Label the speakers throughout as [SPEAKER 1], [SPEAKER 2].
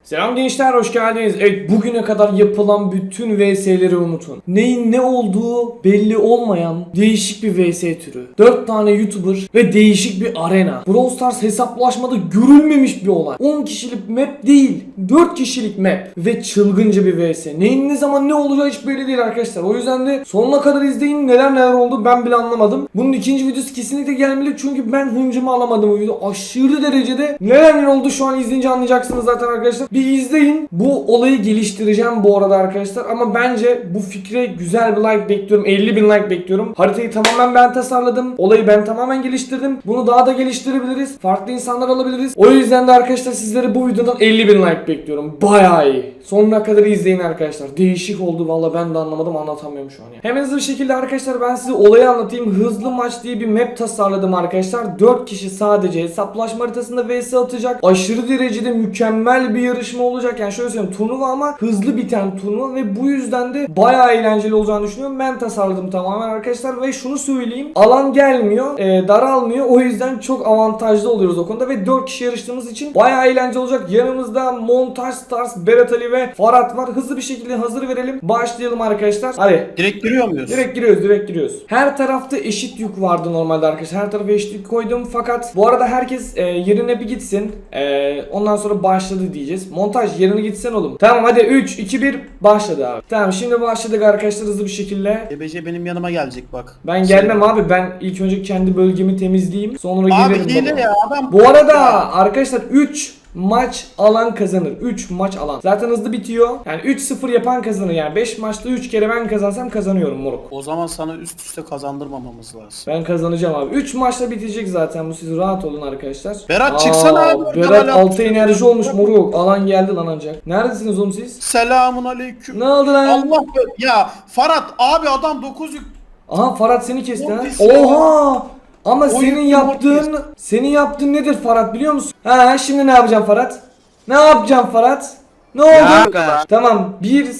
[SPEAKER 1] Selam gençler, hoş geldiniz. Evet, bugüne kadar yapılan bütün VS'leri unutun. Neyin ne olduğu belli olmayan değişik bir VS türü. 4 tane YouTuber ve değişik bir arena. Brawl Stars hesaplaşmada görülmemiş bir olay. 10 kişilik map değil, 4 kişilik map ve çılgınca bir VS. Neyin ne zaman ne olacağı hiç belli değil arkadaşlar. O yüzden de sonuna kadar izleyin, neler oldu ben bile anlamadım. Bunun ikinci videosu kesinlikle gelmeli çünkü ben hıncımı alamadım o video. Aşırı derecede neler oldu şu an izleyince anlayacaksınız zaten arkadaşlar. Bir izleyin. Bu olayı geliştireceğim bu arada arkadaşlar. Ama bence bu fikre güzel bir like bekliyorum. 50.000 like bekliyorum. Haritayı tamamen ben tasarladım. Olayı ben tamamen geliştirdim. Bunu daha da geliştirebiliriz. Farklı insanlar alabiliriz. O yüzden de arkadaşlar sizlere bu videodan 50.000 like bekliyorum. Bayağı iyi. Sonuna kadar izleyin arkadaşlar. Değişik oldu. Valla ben de anlamadım. Anlatamıyorum şu an ya. Hemen hızlı bir şekilde arkadaşlar ben size olayı anlatayım. Hızlı maç diye bir map tasarladım arkadaşlar. 4 kişi sadece hesaplaşma haritasında vs atacak. Aşırı derecede mükemmel bir yarışma olacak. Yani şöyle söyleyeyim, turnuva ama hızlı biten turnuva ve bu yüzden de bayağı eğlenceli olacağını düşünüyorum. Ben tasarladım tamamen arkadaşlar ve şunu söyleyeyim. Alan gelmiyor, daralmıyor. O yüzden çok avantajlı oluyoruz o konuda ve 4 kişi yarıştığımız için bayağı eğlenceli olacak. Yanımızda Montaj Stars, Berat Ali ve Farhat var. Hızlı bir şekilde hazır verelim. Başlayalım arkadaşlar. Hadi.
[SPEAKER 2] Direkt giriyor muyuz?
[SPEAKER 1] Direkt giriyoruz. Her tarafta eşit yük vardı normalde arkadaşlar. Her tarafa eşit yük koydum fakat bu arada herkes yerine bir gitsin. Ondan sonra başladı diyeceğiz. Montaj yerine gitsen oğlum. Tamam hadi 3, 2, 1 başladı abi. Tamam şimdi başladık arkadaşlar hızlı bir şekilde.
[SPEAKER 2] EBC benim yanıma gelecek bak.
[SPEAKER 1] Ben gelmem abi. Ben ilk önce kendi bölgemi temizleyeyim. Sonra
[SPEAKER 2] Abi
[SPEAKER 1] gelirim
[SPEAKER 2] hile
[SPEAKER 1] baba.
[SPEAKER 2] ya adam.
[SPEAKER 1] Bu arada arkadaşlar 3 maç alan kazanır. 3 maç alan. Zaten hızlı bitiyor. Yani 3-0 yapan kazanır. Yani 5 maçta 3 kere ben kazansam kazanıyorum moruk.
[SPEAKER 2] O zaman sana üst üste kazandırmamamız lazım.
[SPEAKER 1] Ben kazanacağım abi. 3 maçta bitecek zaten bu, siz rahat olun arkadaşlar.
[SPEAKER 2] Berat çıksana abi.
[SPEAKER 1] Berat 6 enerji olmuş moruk. Alan geldi lan ancak. Neredesiniz oğlum siz?
[SPEAKER 2] Selamun aleyküm.
[SPEAKER 1] Ne oldu lan?
[SPEAKER 2] Allah ya Farhat abi adam 9 yük.
[SPEAKER 1] Aha Farhat seni kesti ha.
[SPEAKER 2] Mortis ya.
[SPEAKER 1] Oha! Ama
[SPEAKER 2] O
[SPEAKER 1] senin
[SPEAKER 2] yüklü
[SPEAKER 1] yaptığın yaptığın nedir Farhat biliyor musun? Ha şimdi ne yapacağım Farhat? Ne yapacağım Farhat? Ne oldu? Tamam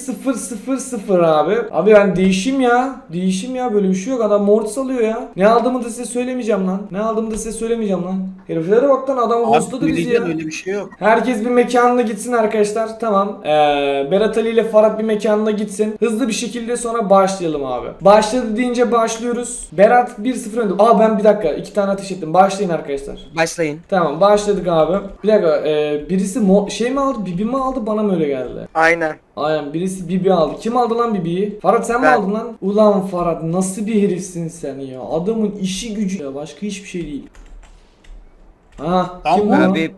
[SPEAKER 1] 1-0-0-0 abi. Abi ben değişim ya. Değişim ya, böyle bir şey yok. Adam mortis alıyor ya. Ne aldığımı da size söylemeyeceğim lan. Heriflere bak lan, adam hostladı bizi ya.
[SPEAKER 2] Öyle bir şey yok.
[SPEAKER 1] Herkes bir mekanına gitsin arkadaşlar. Tamam. Berat Ali ile Farhat bir mekanına gitsin. Hızlı bir şekilde sonra başlayalım abi. Başladı deyince başlıyoruz. Berat 1-0 önde. Ben bir dakika 2 tane ateş ettim. Başlayın arkadaşlar.
[SPEAKER 3] Başlayın.
[SPEAKER 1] Tamam başladık abi. Bir dakika birisi şey mi aldı? Bibi mi aldı? Bana mı öyle geldi?
[SPEAKER 3] Aynen.
[SPEAKER 1] Aynen, birisi Bibi aldı. Kim aldı lan Bibi'yi? Farhat sen mi
[SPEAKER 3] Ben.
[SPEAKER 1] aldın lan? Ulan Farhat nasıl bir herifsin sen ya? Adamın işi gücü ya, başka hiçbir şey değil. Ha
[SPEAKER 2] Tamam
[SPEAKER 1] kim bu?
[SPEAKER 3] Abi,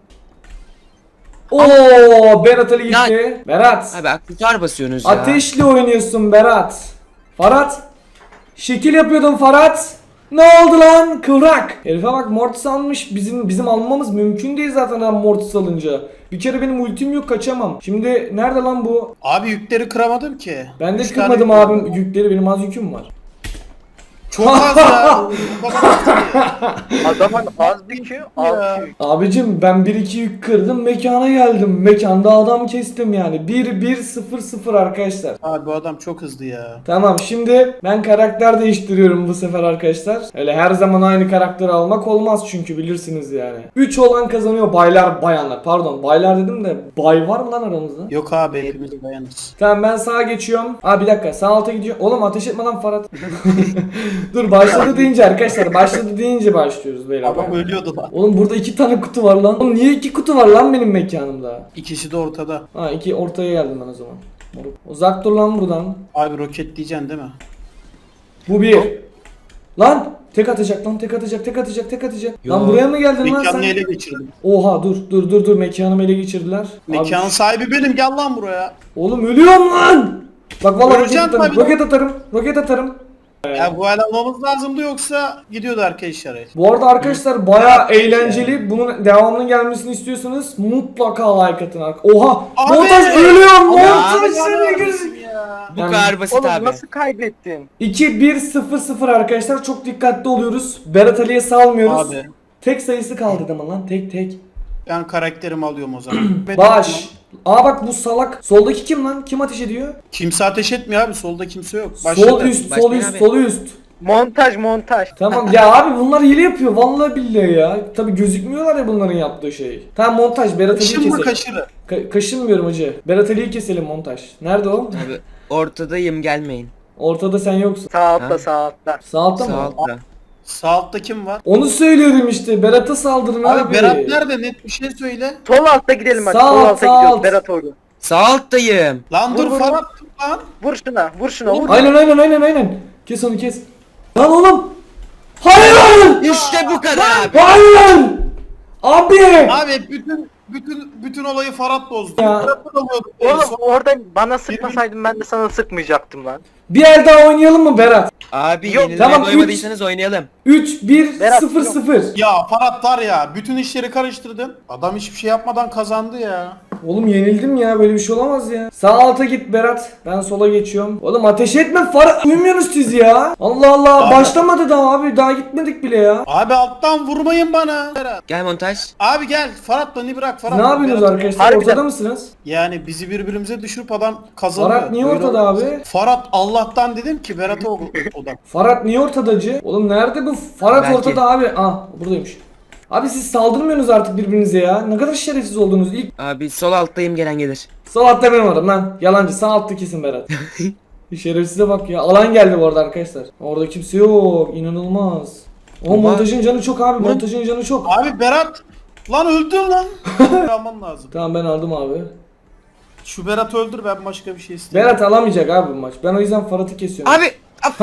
[SPEAKER 1] Oo Berat Ali gitti. Berat.
[SPEAKER 3] abi aksesuar basıyorsunuz ya.
[SPEAKER 1] Ateşli oynuyorsun Berat. Farhat. Şekil yapıyordun Farhat. Ne oldu lan kıvrak? Herife bak mortis almış. Bizim almamız mümkün değil zaten adam mortis alınca. Bir kere benim ultim yok, kaçamam. Şimdi nerede lan bu?
[SPEAKER 2] Abi yükleri kıramadım ki.
[SPEAKER 1] Ben de
[SPEAKER 2] 3
[SPEAKER 1] kırmadım
[SPEAKER 2] tane
[SPEAKER 1] abim yükleri, benim az yüküm var.
[SPEAKER 2] Çok az ya.
[SPEAKER 4] Adamın az bir şey, az yük.
[SPEAKER 1] Abicim ben 1-2 yük kırdım, mekana geldim. Mekanda adam kestim yani. 1-1-0-0 arkadaşlar.
[SPEAKER 2] Abi bu adam çok hızlı ya.
[SPEAKER 1] Tamam şimdi ben karakter değiştiriyorum bu sefer arkadaşlar. Öyle her zaman aynı karakteri almak olmaz çünkü bilirsiniz yani. 3 olan kazanıyor, baylar bayanlar. Pardon baylar dedim de bay var mı lan aramızda?
[SPEAKER 2] Yok abi hepimiz dayanırız.
[SPEAKER 1] Tamam ben sağa geçiyorum. Bir dakika sağ alta gidiyor. Oğlum ateş etme lan Farhat. Dur başladı deyince arkadaşlar, başladı deyince başlıyoruz beyler.
[SPEAKER 2] Adam ölüyordu lan.
[SPEAKER 1] Oğlum burada 2 tane kutu var lan. Oğlum niye 2 kutu var lan benim mekanımda?
[SPEAKER 2] İkisi de ortada.
[SPEAKER 1] 2 ortaya geldim ben o zaman. Moruk. Uzak dur lan buradan.
[SPEAKER 2] Abi roket diyeceksin değil mi?
[SPEAKER 1] Bu bir. Lan tek atacak lan, tek atacak.
[SPEAKER 3] Yo.
[SPEAKER 1] Lan buraya mı geldin lan
[SPEAKER 2] Mekanını
[SPEAKER 1] sen?
[SPEAKER 2] ele geçirdim.
[SPEAKER 1] Oha dur mekanımı ele geçirdiler.
[SPEAKER 2] Mekanın
[SPEAKER 1] Abi,
[SPEAKER 2] sahibi benim, gel lan buraya.
[SPEAKER 1] oğlum ölüyorum lan. Bak vallahi
[SPEAKER 2] Öleceğim tabii.
[SPEAKER 1] roket atarım.
[SPEAKER 2] Ya bu el almamız lazımdı yoksa gidiyordu arkadaşlar.
[SPEAKER 1] Bu arada arkadaşlar bayağı eğlenceli. Bunun devamının gelmesini istiyorsanız mutlaka like atın. Oha!
[SPEAKER 2] Abi!
[SPEAKER 1] Montaj ölüyorum.
[SPEAKER 3] Abi,
[SPEAKER 1] Montaj
[SPEAKER 2] Abi,
[SPEAKER 1] seni
[SPEAKER 2] ya.
[SPEAKER 1] gözü.
[SPEAKER 3] Bu
[SPEAKER 1] Yani-
[SPEAKER 3] kadar basit
[SPEAKER 4] Oğlum
[SPEAKER 3] abi.
[SPEAKER 4] nasıl kaybettin?
[SPEAKER 1] 2-1-0-0 arkadaşlar, çok dikkatli oluyoruz. Berat Ali'ye salmıyoruz.
[SPEAKER 2] Abi
[SPEAKER 1] Tek sayısı kaldı ama lan, tek.
[SPEAKER 2] ben karakterimi alıyorum o zaman.
[SPEAKER 1] Baş. Bak bu salak. Soldaki kim lan? Kim ateş ediyor?
[SPEAKER 2] Kimse ateş etmiyor abi, solda kimse yok.
[SPEAKER 1] Sol
[SPEAKER 2] Başladı.
[SPEAKER 1] üst,
[SPEAKER 3] Başlayın abi.
[SPEAKER 1] sol üst.
[SPEAKER 4] Montaj.
[SPEAKER 1] Tamam ya abi bunlar hile yapıyor vallahi billahi ya. Tabi gözükmüyorlar ya bunların yaptığı şey. Tamam montaj Berat Ali'yi
[SPEAKER 2] Kaşın mı
[SPEAKER 1] keselim.
[SPEAKER 2] kaşırı?
[SPEAKER 1] Kaşınmıyorum hacı. Berat Ali'yi keselim montaj. Nerede o?
[SPEAKER 3] Abi ortadayım, gelmeyin.
[SPEAKER 1] Ortada sen yoksun.
[SPEAKER 4] Sağ altta
[SPEAKER 3] Ha?
[SPEAKER 4] sağ altta.
[SPEAKER 1] Sağ altta
[SPEAKER 3] Sağ
[SPEAKER 1] mı?
[SPEAKER 3] altta.
[SPEAKER 2] Sağ altta kim var?
[SPEAKER 1] Onu söylüyorum işte. Berat'a saldırın abi.
[SPEAKER 2] Abi Berat nerede? Net bir şey söyle.
[SPEAKER 4] Sol altta gidelim hadi.
[SPEAKER 1] Sağ
[SPEAKER 4] Sol
[SPEAKER 1] alt,
[SPEAKER 4] alta
[SPEAKER 1] sağ
[SPEAKER 4] gidiyoruz
[SPEAKER 1] alt.
[SPEAKER 4] Berat orada.
[SPEAKER 3] Sağ alttayım.
[SPEAKER 2] Lan dur
[SPEAKER 4] Vur, vur,
[SPEAKER 2] Ferhat lan.
[SPEAKER 4] Vur şuna vur.
[SPEAKER 1] Aynen. Kes onu kes. Lan oğlum. Hayır!
[SPEAKER 3] İşte bu kadar abi.
[SPEAKER 1] Hayır! Abi!
[SPEAKER 2] Abi bütün olayı Ferhat bozdu.
[SPEAKER 1] Ya.
[SPEAKER 2] Ferhat'ı da bozdu.
[SPEAKER 4] Oğlum orada bana sıkmasaydın ben de sana sıkmayacaktım lan.
[SPEAKER 1] Bir el daha oynayalım mı Berat?
[SPEAKER 3] Abi
[SPEAKER 4] Yok,
[SPEAKER 3] yenilmeye
[SPEAKER 1] tamam,
[SPEAKER 3] doymadıysanız oynayalım.
[SPEAKER 1] 3 1
[SPEAKER 4] Berat,
[SPEAKER 1] 0
[SPEAKER 4] yok.
[SPEAKER 1] 0.
[SPEAKER 2] Ya Ferhat var ya bütün işleri karıştırdın. Adam hiçbir şey yapmadan kazandı ya.
[SPEAKER 1] Oğlum yenildim ya böyle bir şey olamaz ya. Sağ alta git Berat. Ben sola geçiyorum. Oğlum ateş etme Farah. Uyumuyorsunuz siz ya. Allah Allah
[SPEAKER 2] Abi.
[SPEAKER 1] başlamadı daha abi. Daha gitmedik bile ya.
[SPEAKER 2] Abi alttan vurmayın bana. Ferhat.
[SPEAKER 3] Gel montaj.
[SPEAKER 2] Abi gel Ferhat beni bırak Ferhat.
[SPEAKER 1] Ne yapıyorsunuz
[SPEAKER 2] Berat-
[SPEAKER 1] arkadaşlar?
[SPEAKER 4] Harbiden.
[SPEAKER 1] Ortada mısınız?
[SPEAKER 2] Yani bizi birbirimize düşürüp adam kazanıyor.
[SPEAKER 1] Farhat niye
[SPEAKER 2] Böyle
[SPEAKER 1] ortada
[SPEAKER 2] olmaz.
[SPEAKER 1] abi?
[SPEAKER 2] Ferhat Allah'tan dedim ki Berat'a odan.
[SPEAKER 1] Farhat niye ortadacı? Oğlum nerede bu? Farhat
[SPEAKER 3] Belki.
[SPEAKER 1] ortada abi. Ah buradaymış. Abi siz saldırmıyorsunuz artık birbirinize ya. Ne kadar şerefsiz oldunuz. İlk
[SPEAKER 3] Abi sol alttayım, gelen gelir.
[SPEAKER 1] sağ altta benim varım lan. Yalancı sağ altta kesin Berat. Şerefsize bak ya. Alan geldi bu arada arkadaşlar. Orada kimse yok. İnanılmaz. O
[SPEAKER 3] Baba.
[SPEAKER 1] montajın canı çok abi. Montajın canı çok.
[SPEAKER 2] Abi Berat lan öldün lan. Alman lazım.
[SPEAKER 1] Tamam ben aldım abi.
[SPEAKER 2] Şu Berat öldür ben başka bir şey istemiyorum.
[SPEAKER 1] Berat alamayacak abi bu maç. Ben o yüzden Farhat'ı kesiyorum.
[SPEAKER 3] Abi.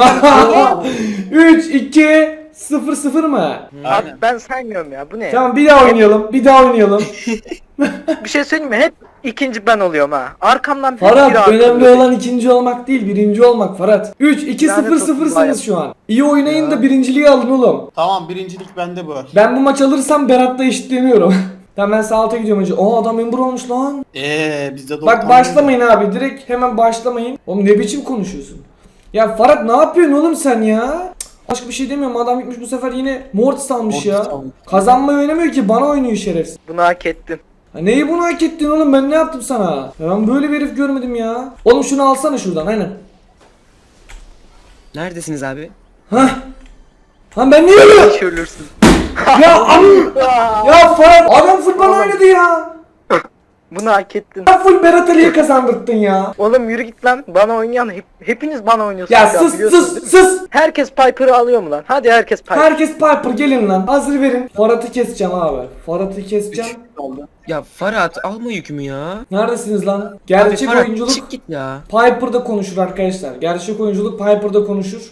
[SPEAKER 1] 3 2 0 0 mı?
[SPEAKER 2] Aynen.
[SPEAKER 4] Abi ben saymıyorum ya bu ne ya?
[SPEAKER 1] Tamam bir daha oynayalım. Bir daha oynayalım.
[SPEAKER 4] Bir şey söyleyeyim mi? Hep ikinci ben oluyorum ha. Arkamdan hep biri
[SPEAKER 1] Farhat
[SPEAKER 4] arkamda.
[SPEAKER 1] önemli olan ikinci olmak değil, birinci olmak Farhat. 3 2 0
[SPEAKER 4] Lanet olsun
[SPEAKER 1] 0'sınız
[SPEAKER 4] bayağı.
[SPEAKER 1] şu an. İyi oynayın
[SPEAKER 2] Ya.
[SPEAKER 1] da birinciliği alın oğlum.
[SPEAKER 2] Tamam birincilik bende bu.
[SPEAKER 1] Ben bu maç alırsam Berat'la eşitleniyorum. Tamam ben sağ alta gidiyorum önce. Aa adam memur olmuş lan.
[SPEAKER 2] Bizde de
[SPEAKER 1] Bak başlamayın abi direkt hemen başlamayın. Oğlum ne biçim konuşuyorsun? Ya Farhat ne yapıyorsun oğlum sen ya? Cık, başka bir şey demiyorum adam gitmiş bu sefer yine Mortis almış
[SPEAKER 2] Mortis
[SPEAKER 1] ya.
[SPEAKER 2] almış.
[SPEAKER 1] Kazanmayı oynamıyor ki bana oynuyor şerefsiz.
[SPEAKER 4] Bunu hak ettin.
[SPEAKER 1] Ha, neyi bunu hak ettin oğlum ben ne yaptım sana? Ya ben böyle bir herif görmedim ya. Oğlum şunu alsana şuradan aynen.
[SPEAKER 3] Neredesiniz abi?
[SPEAKER 1] Hah. Ha ben niye öyle?
[SPEAKER 4] Hiç ölürsün.
[SPEAKER 1] Ya ya Farhat adam full bana oynadı ya.
[SPEAKER 4] Bunu hak ettin.
[SPEAKER 1] Ya full Berat Ali'ye kazandırttın ya.
[SPEAKER 4] Oğlum yürü git lan. Bana oynayan hepiniz bana oynuyorsunuz.
[SPEAKER 1] Ya
[SPEAKER 4] şu an,
[SPEAKER 1] sus
[SPEAKER 4] biliyorsunuz
[SPEAKER 1] sus
[SPEAKER 4] değil mi?
[SPEAKER 1] sus.
[SPEAKER 4] Herkes Piper'ı alıyor mu lan? Hadi herkes Piper.
[SPEAKER 1] Herkes Piper gelin lan. Hazır verin. Farhat'ı keseceğim abi. Farhat'ı keseceğim.
[SPEAKER 2] oldu.
[SPEAKER 3] Ya Farhat alma yükümü ya.
[SPEAKER 1] Neredesiniz lan?
[SPEAKER 3] Abi
[SPEAKER 1] Gerçek
[SPEAKER 3] Farhat
[SPEAKER 1] oyunculuk
[SPEAKER 3] çık git ya.
[SPEAKER 1] Piper'da konuşur arkadaşlar. Gerçek oyunculuk Piper'da konuşur.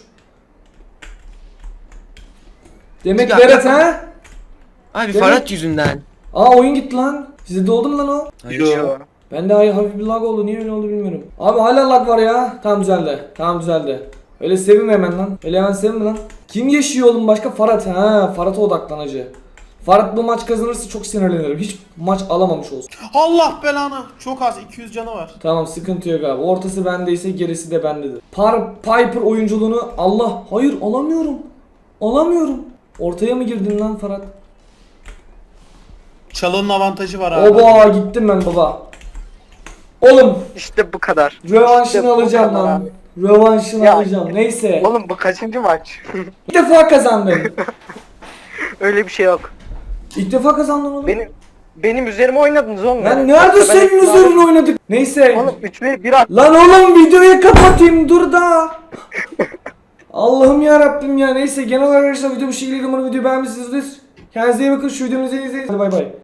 [SPEAKER 1] Demek
[SPEAKER 3] Ya,
[SPEAKER 1] Berat
[SPEAKER 3] ya.
[SPEAKER 1] ha?
[SPEAKER 3] Abi
[SPEAKER 1] Demek-
[SPEAKER 3] Farhat yüzünden.
[SPEAKER 1] Aa oyun gitti lan. Size de oldu mu lan o?
[SPEAKER 3] Hayır.
[SPEAKER 2] Yo.
[SPEAKER 1] Bende hafif bir lag oldu. Niye öyle oldu bilmiyorum. Abi hala lag var ya. Tam düzeldi. Tam düzeldi. Öyle sevinme hemen lan. Öyle hemen sevinme lan. Kim yaşıyor oğlum başka? Farhat. Ha, Farhat'a odaklan hacı. Farhat bu maç kazanırsa çok sinirlenirim. Hiç maç alamamış olsun.
[SPEAKER 2] Allah belanı. Çok az 200 canı var.
[SPEAKER 1] Tamam sıkıntı yok abi. Ortası bendeyse gerisi de bendedir. Piper oyunculuğunu Allah. Hayır alamıyorum. Alamıyorum. Ortaya mı girdin lan Farhat?
[SPEAKER 2] Çalının avantajı var abi.
[SPEAKER 1] Oba gittim ben baba. Oğlum
[SPEAKER 4] İşte bu kadar.
[SPEAKER 1] rövanşını
[SPEAKER 4] İşte bu
[SPEAKER 1] alacağım
[SPEAKER 4] kadar
[SPEAKER 1] lan.
[SPEAKER 4] abi.
[SPEAKER 1] Rövanşını
[SPEAKER 4] Ya,
[SPEAKER 1] alacağım. Neyse.
[SPEAKER 4] Oğlum bu kaçıncı maç?
[SPEAKER 1] İlk defa kazandım.
[SPEAKER 4] Öyle bir şey yok.
[SPEAKER 1] İlk defa kazandım oğlum.
[SPEAKER 4] Benim üzerime oynadınız oğlum.
[SPEAKER 1] Lan
[SPEAKER 4] ya.
[SPEAKER 1] nerede
[SPEAKER 4] Yoksa ben
[SPEAKER 1] senin
[SPEAKER 4] hep-
[SPEAKER 1] üzerine oynadık? Neyse.
[SPEAKER 4] Oğlum 3 ve 1 at.
[SPEAKER 1] Lan oğlum videoyu kapatayım dur da. Allah'ım ya Rabbim ya. Neyse genel olarak arkadaşlar video bu şekilde umarım videoyu beğenmişsinizdir. Kendinize iyi bakın şu videomuzu izleyin. Hadi bay bay.